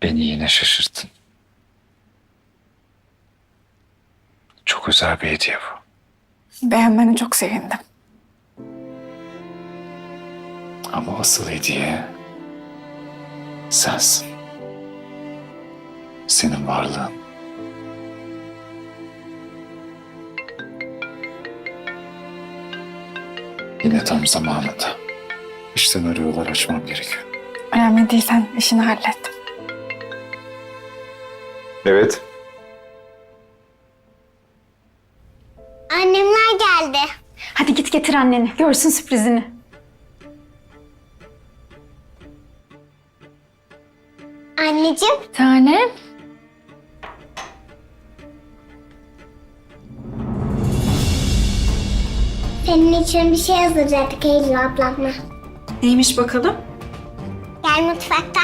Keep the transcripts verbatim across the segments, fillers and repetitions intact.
Beni yine şaşırttın. Çok özel bir hediye bu. Beğenmene çok sevindim. Ama asıl hediye sensin. Senin varlığın. Yine tam zamanında. İşten arıyorlar, açmam gerekiyor. Önemli değil, sen işini hallet. Evet. Annemler geldi. Hadi git getir anneni. Görsün sürprizini. Anneciğim, Tanem. senin için bir şey hazırladık Eylül ablamla. Neymiş bakalım? Gel mutfakta.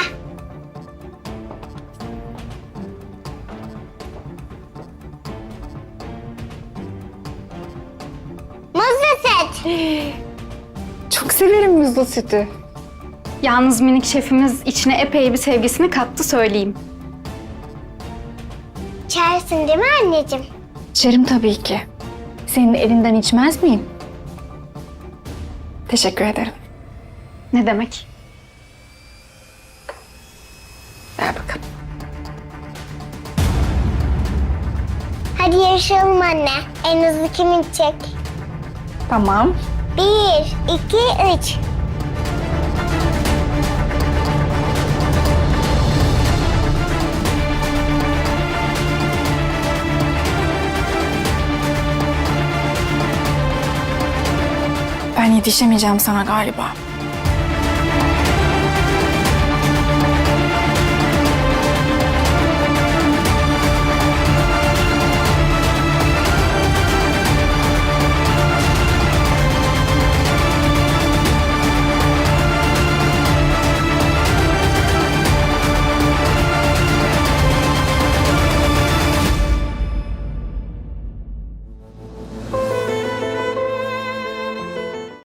Muzlu süt. Çok severim muzlu sütü. Yalnız minik şefimiz içine epey bir sevgisini kattı söyleyeyim. İçersin değil mi anneciğim? İçerim tabii ki. Senin elinden içmez miyim? Teşekkür ederim. Ne demek? Ver bakalım. Hadi yarışalım anne. En hızlı kim içecek? Tamam. Bir, iki, üç. Ben yetişemeyeceğim sana galiba.